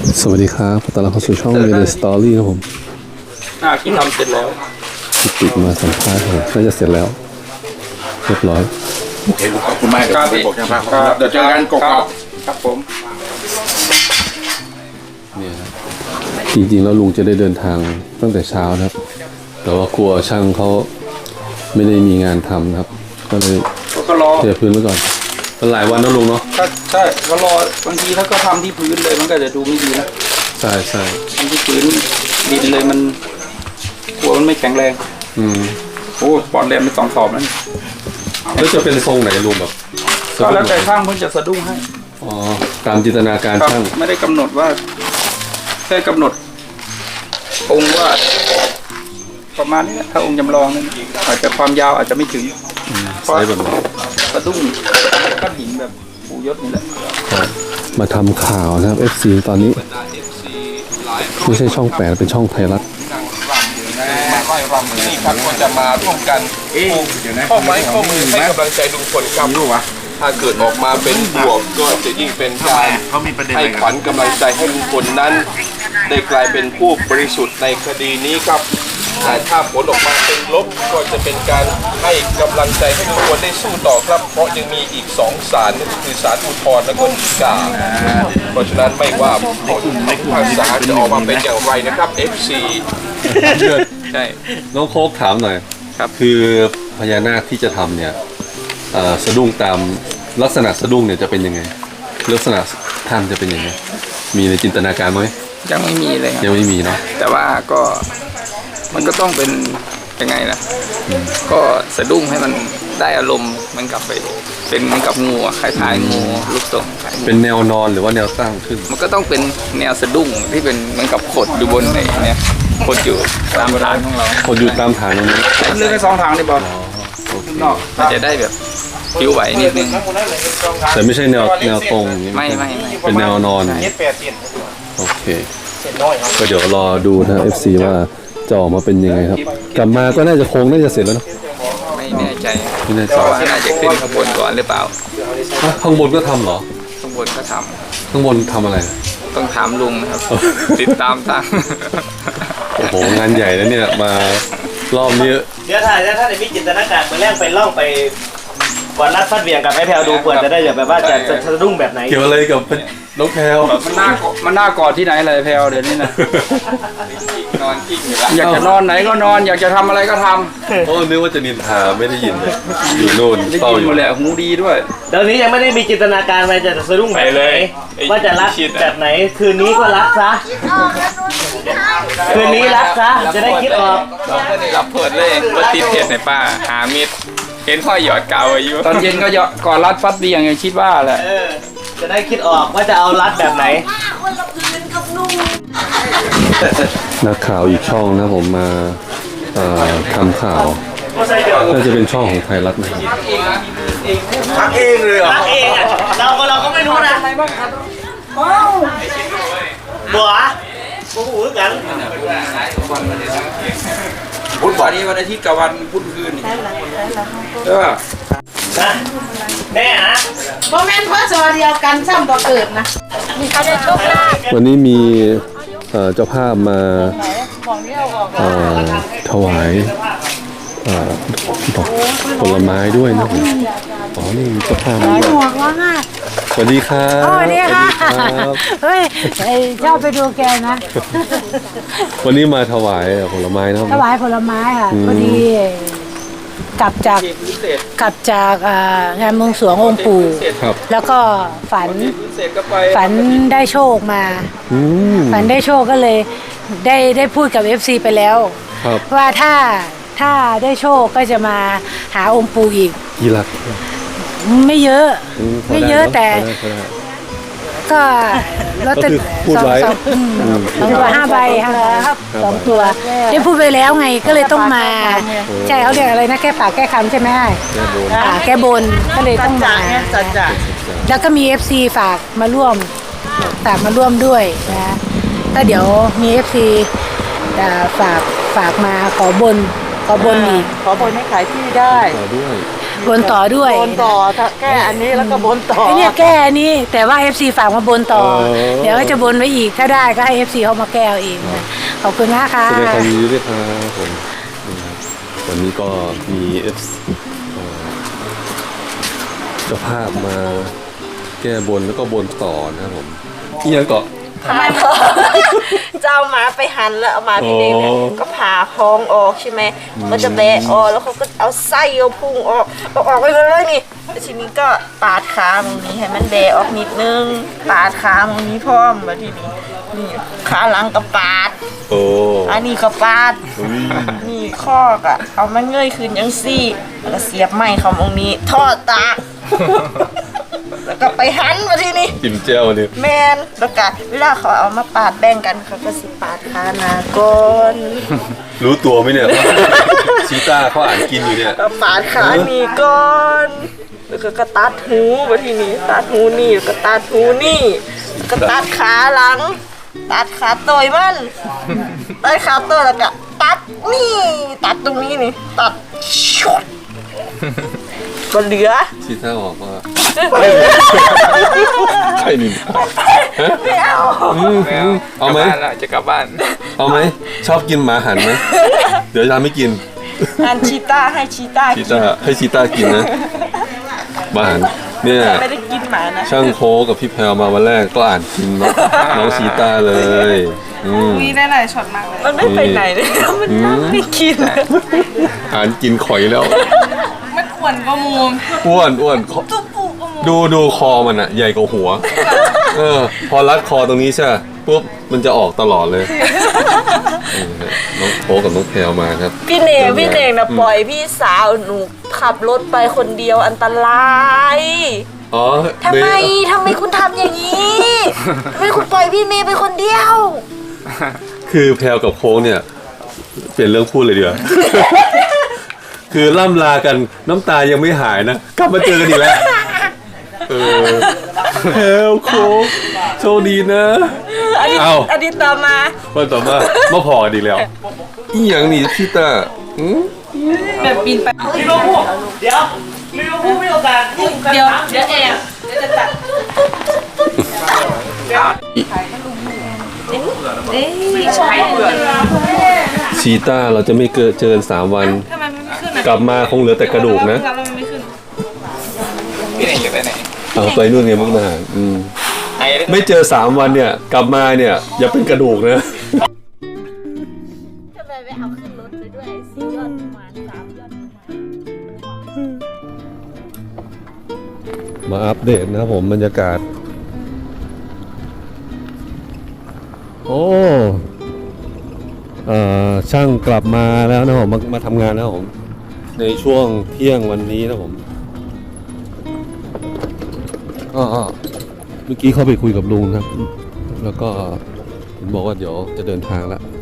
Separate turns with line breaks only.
สวัสดีครับตอนรับเข้าสู่ช่อง Made Story ครับผม
ที่ทำเสร็จแล้ว
ติดมาสัมภาษณ์ผมน่าจะเสร็จแล้วเรียบร้อย
โอเคขอบคุณมากครับบอกช่างภาพเดี๋ยวเจอกันกบ
ครับผม
เนี่ยจริงๆแล้วลุงจะได้เดินทางตั้งแต่เช้านะครับแต่ว่ากลัวช่างเขาไม่ได้มีงานทำนะครับก็เลยเทพื้นไว้ก่อนเป็นหลายวันนะลุงเนาะ
ใช่ก็รอบางทีถ้าก็ทำที่พื้นเลยมันก็จะดูไม่ดีนะ
ใช่ใช่
ทำที่พื้นดินเลยมันกลัวมันไม่แข็งแรงโอ้ปอนแรมไป2 สอบนั่น
แล้วจะเป็นทรงไหนลุงแบบ
ก็แล้วแต่ช่างเพิ่งจะสะดุ้งให้
อ๋อตามจินตนาการช่าง
ไม่ได้กำหนดว่าแค่กำหนดองค์ว่าประมาณนี้ถ้าองค์จำลองนั้นอาจจะความยาวอาจจะไม่ถึง
ใช่แบบ
สะดุ้งก้อนหินแบบปูยศนี่แหละ
มาทำข่าวนะครับ FC ตอนนี้ไม่ใช่ช่อง8เป็นช่องไทยรัฐ
นี่ครับก็จะมาร่วมกันข้อไม้ข้อมือให้กำลังใจลุงพลครับถ้าเกิดออกมาเป็นบวกก็จะยิ่งเป็นการให้ขวัญกำลังใจให้ลุงพลนั้นได้กลายเป็นผู้บริสุทธิ์ในคดีนี้ครับแต่ถ้าผลออกมาเป็นลบก็จะเป็นการให้กำลังใจให้ลุงพลได้สู้ต่อครับเพราะยังมีอีก2 ศาลนั่นคือศาลอุทธรณ์และก็ฎีกาเพราะฉะนั้นไม่ว่าผลทางศาลจะออกมาเป็นอย่างไรนะครับ FC
ใช่น้องโค้กถามหน่อยครับคือพญานาคที่จะทำเนี่ยสะดุ้งตามลักษณะสะดุ้งเนี่ยจะเป็นยังไงลักษณะท่านจะเป็นยังไงมีในจินตนาการไหม
ยังไม่มีเลย
ยังไม่มีเนาะ
แต่ว่าก็มันก็ต้องเป็นยังไงนะก็สะดุ้งให้มันได้อารมณ์มันกลับไปเป็นเหมือนกับงูคล้ายๆงูลูกทรง
เป็นแนวนอนหรือว่าแนวตั้งขึ้น
มันก็ต้องเป็นแนวสะดุ้งที่เป็นเหมือนกับขดอยู่บนไหนเนี่ยขดอยู่ตามฐานของเรา
ขดอยู่ตามฐานตรงนี้
เลือกแค่2 ทางนี่บอลนอกมันจะได้แบบผิวไหวนิดนึง
แต่ไม่ใช่แนวตรง
ไม่
เป็นแนวนอนโอเคก็เดี๋ยวรอดูนะ FC ว่าจะออกมาเป็นยังไงครับกลับมาก็น่าจะโค้งน่าจะเสร็จแล้วเนาะ
ไม่แน่ใจว่าน่าจะขึ้นข้างบนก่อนหรือเปล่า
ข้างบนก็ทำเหรอ
ข้างบนก็ท
ำข้างบนทำอะไร
ต้องถามลุงนะครับติดตามทาง
โอ้โหงานใหญ่แล้วเนี่ยมารอบนี้
เดี๋ยวถ้ามีจินตนาการเมื่อแรกไปล่องไปวันรัดฟัดเวียงกับไอ้แพลวดูเปิดจะได้แบบว่าจะสะดุ้งแบบไหน
เกี่ยวอะไรกับน้องแพลว
มันน่ากอดที่ไหนเลยแพลวเดี๋ยวนี้นะนอนกิ้งอยากจะนอนไหนก็นอนอยากจะทำอะไรก็ทำ
โอ้นึกว่าจะนินทาไม่ได้ยินเลยอยู่โน่น
เฝ้าอยู่แหละหูดีด้วย
เดี๋ยวนี้ยังไม่ได้มีจินตนาการว่าจะสะดุ้งแบบไหนว่าจะรักแบบไหนคืนนี้ก็รักซะคืนนี้รักซะจะได้คิดออก
รับเปิดเลยว่าติดเทียนในป้าหามิดเห็นพ่อหยอดเก่าอายุตอนเย็นก็ก่อนรัดฟัดเบียงอย่างคิดว่าแหละ
จะได้คิดออกว่าจะเอารัดแบบไหน
นักข่าวอีกช่องนะผมมาทำข่าวน่าจะเป็นช่องของไทยรัฐนะครับ
ทักเองเลยเหรอทักเองอ่ะเราก็ไม่รู้นะบัวกูหูกัน
พุธวันอาทิตย์กับวันพุธคืน
แม่นะ
โมเมนต์เพื่อจอเดียวกันซ้ำตัวเกิดนะ
วันนี้มีเจ้าภาพมาถวายดอกผลไม้ด้วยนะผมอ๋อนี่เจ้าภาพมาสวัสดีครับ
สวัสดีค่ะเฮ้ยชอบไปดูแกนะ
วันนี้มาถวายผลไม้นะ
ถวายผลไม้ค่ะพอดีกลับจากงานบวงสรวงองค์ปู่แล้วก็ฝันได้โชคมาฝันได้โชคก็เลยได้พูดกับ FC ไปแล้วว่าถ้าได้โชคก็จะมาหาองค์ปู่อีก
กี่หลัก
ไม่เยอะแต่ก็ลอตเตอรี่2 ตัว5 ใบครับ2 ตัวได้พูดไปแล้วไงก็เลยต้องมาใช่เขาเรียกอะไรนะแก้ปากแก้คำใช่ไหมแก้บนก็เลยต้องมาแล้วก็มี FC ฝากมาร่วมด้วยนะก็เดี๋ยวมี FC ฝากมาขอบนอีก
ขอบนให้ขายที่ได้
บนต่อด้วย
บนต่อถ้าแก้อันนี้แล้วก็บนต่อ
ไอ้เนี่ยแก้อันนี้แต่ว่า FC ฝากมาบนต่อ เดี๋ยวก็จะบนไว้อีกถ้าได้ก็ให้ FC เขามาแก้เอาเองนะขอบคุณนะคะ
แสดงความยินดีด้วยครับผมนะครับวันนี้ก็มีเจ้าภาพมาแก้บนแล้วก็บนต่อนะครับผมที่ยังเกาะ
ทำไมจะเอาหมาไปหั่นแล้วเอาหมาพี่เด็กเนี่ย
อ๋อ
ก็ผ่าท้องออกใช่ไหมมันจะแบะออกแล้วเขาก็เอาไส้เอาพุงออกเอาออกไปเลยนี่แล้วทีนี้ก็ปาดขาตรงนี้ให้มันแบะออกนิดนึงปาดขาตรงนี้พร้อมแล้วทีนี้นี่ขาหลังก็ปาด
โอ้
อันนี้ก็ปาด
อุ๊ย
นี่ข้อกะเอามันเงยขึ้นยังซี่แล้วก็เสียบไม้เขาตรงนี้ทอดตากแล้วก็ไปหันมาทีนี้
จิ้มแจ่วเนี่ย
แมนแล้วก็เวลาเขาเอามาปาดแบ่งกันเขาก็สิปาดขาหนาก่อน
รู้ตัวไหมเนี่ย ชีต้าเขาอ่านกินอยู่เนี่ย
ก็ปาดขานี่ก่อนแล้วก็ตัดหูมาทีนี้ตัดหูนี่แล้วก็ตัดหูนี่แล้วก็ตัดขาหลัง ตัดขาตัวมันตัดขาตัวแล้วก็ตัดนี่ตัดตรงนี้นี่ตัดชุดก็เหลือ
ชีต้าบอกว่าใช่นี่
ไม่เอา
เอาไหม
กลับบ้านละจะกลับบ้าน
เอาไหมชอบกินหมาหันไหมเดี๋ยวจะทำให้กิน
อันชีต้าให้ชีต้า
ชี
กิน
ต้าให้ชีต้ากินนะหมาหันเนี่ย
ไม่ได้กินหมานะ
ช่างโคกับพี่แพรวมาวันแรกก็อ่านกินน้องชีต้าเลย
มีได้หลายช็อตมากเลยมันไม่ไปไหนเลยมันนั่งไม่กิน
อ่านกินข่อยแล้ว
มันอ้วนก็มูม
อ้วนขอ
ตุ๊ปูก็มูม
ดูคอมันอะใหญ่กว่าหัว พอรัดคอตรงนี้ใช่ปุ๊บมันจะออกตลอดเลยน้องโคกับน้องแพรวมาครับ
พี่เนงนะปล่อยพี่สาวหนูขับรถไปคนเดียวอันตราย
อ๋อ
ทำไมคุณทำอย่างนี้ทำไมคุณปล่อยพี่เมย์ไปคนเดียว
คือแพรวกับโค้งเนี่ยเปลี่ยนเรื่องพูดเลยเดียวา คือล่ำลากันน้ำตายังไม่หายนะกลับมาเจอกันอีกแล้วแพรวโค้งโชคดีนะ เอ้า
อันนี้ต่อมา
วันต่อมาพอกันอีกแล้วอีหยังนี่พี่ตา
แบบปีนไป
ลิเวอร์พูลเดี๋ยวลิเวอร์พูลไม่โอกาสยุ่งกัน
เดี๋ยวเองเดี๋ยวจะตัดใช่
ชีต้าเราจะไม่เจอ3 วัน
ทำไมมันไม่ขึ้น
กลับมาคงเหลือแต่กระดูกนะ
แล้วมันไม่ขึ้น
พี่เน่งจะไปไหน
เอาไปนู่นไงมุกดาหาร
ไอ้
ไม่เจอ3 วันเนี่ยกลับมาเนี่ยอย่าเป็นกระดูกนะ
ทำไมไม่เอาขึ้นรถไปด้วย4 ยอดประมาณ3 ยอด
มาอัปเดตนะครับผมบรรยากาศ โอ้ช่างกลับมาแล้วนะผมมาทำงานแล้วผมในช่วงเที่ยงวันนี้นะผมก็เมื่อกี้เข้าไปคุยกับลุงครับ แล้วก็ผมบอกว่าเดี๋ยวจะเดินทางแล้ว